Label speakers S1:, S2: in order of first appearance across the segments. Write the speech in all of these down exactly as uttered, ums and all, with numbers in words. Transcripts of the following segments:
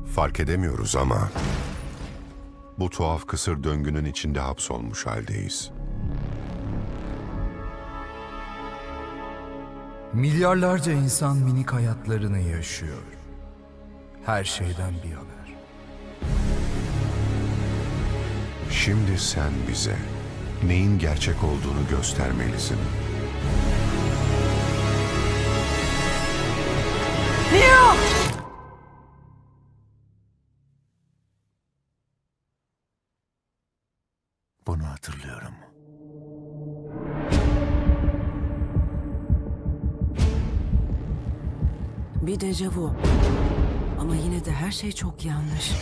S1: Fark edemiyoruz ama bu tuhaf kısır döngünün içinde hapsolmuş haldeyiz.
S2: Milyarlarca insan minik hayatlarını yaşıyor. Her şeyden bir haber.
S1: Şimdi sen bize neyin gerçek olduğunu göstermelisin.
S3: Bunu hatırlıyorum.
S4: Bir dejavu. Ama yine de her şey çok yanlış.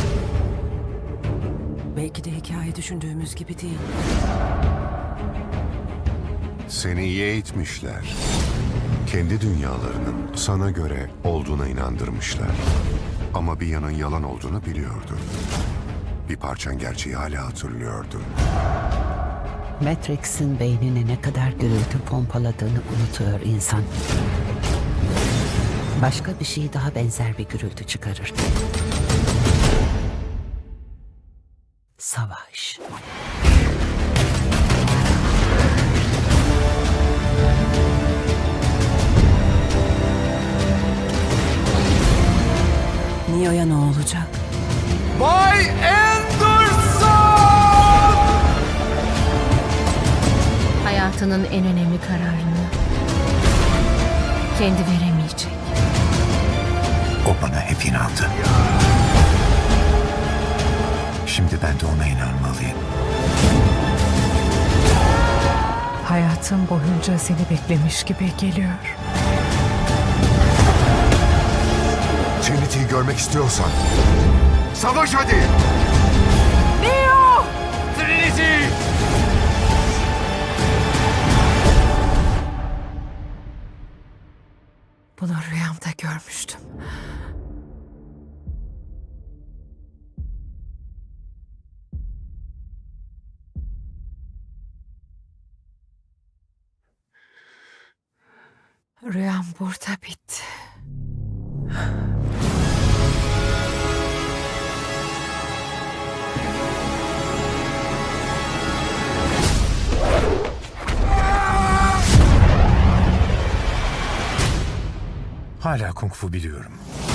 S4: Belki de hikaye düşündüğümüz gibi değil.
S1: Seni iyi eğitmişler. Kendi dünyalarının sana göre olduğuna inandırmışlar. Ama bir yanın yalan olduğunu biliyordu. Bir parçan gerçeği hala hatırlıyordu.
S5: Matrix'in beynine ne kadar gürültü pompaladığını unutuyor insan. Başka bir şey daha benzer bir gürültü çıkarır. Savaş.
S4: Neo'ya ne olacak?
S2: Bay Anderson!
S6: Hayatının en önemli kararını kendi veremeyecek.
S3: O bana hep inandı. Şimdi ben de ona inanmalıyım.
S7: Hayatım boyunca seni beklemiş gibi geliyor.
S1: Trinity'yi görmek istiyorsan savaş hadi!
S7: Bunu rüyamda görmüştüm. Rüyam burada bitti.
S3: Hala kung fu biliyorum.